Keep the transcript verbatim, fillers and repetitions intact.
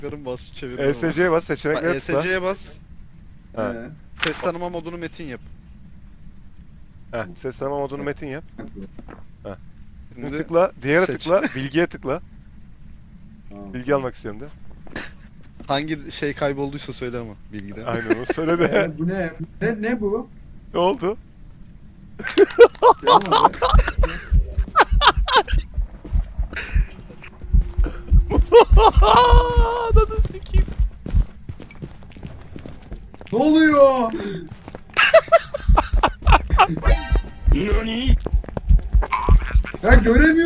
Karın bas çevir. E S C'ye bas, seçeneklere tıkla. E S C'ye bas. Ha. Ee, Ses tanıma modunu metin yap. Heh, ses tanıma modunu metin yap. Şimdi Şimdi tıkla, diğere seç. tıkla, bilgiye tıkla. tamam. Bilgi almak istiyorum de. hangi şey kaybolduysa söyle ama bilgide. Aynen onu söyle de. Ee, bu ne? Ne ne bu? Ne oldu? Yapamadı. Ananı sikeyim. Ne oluyor? Nani? Ya göremiyorum.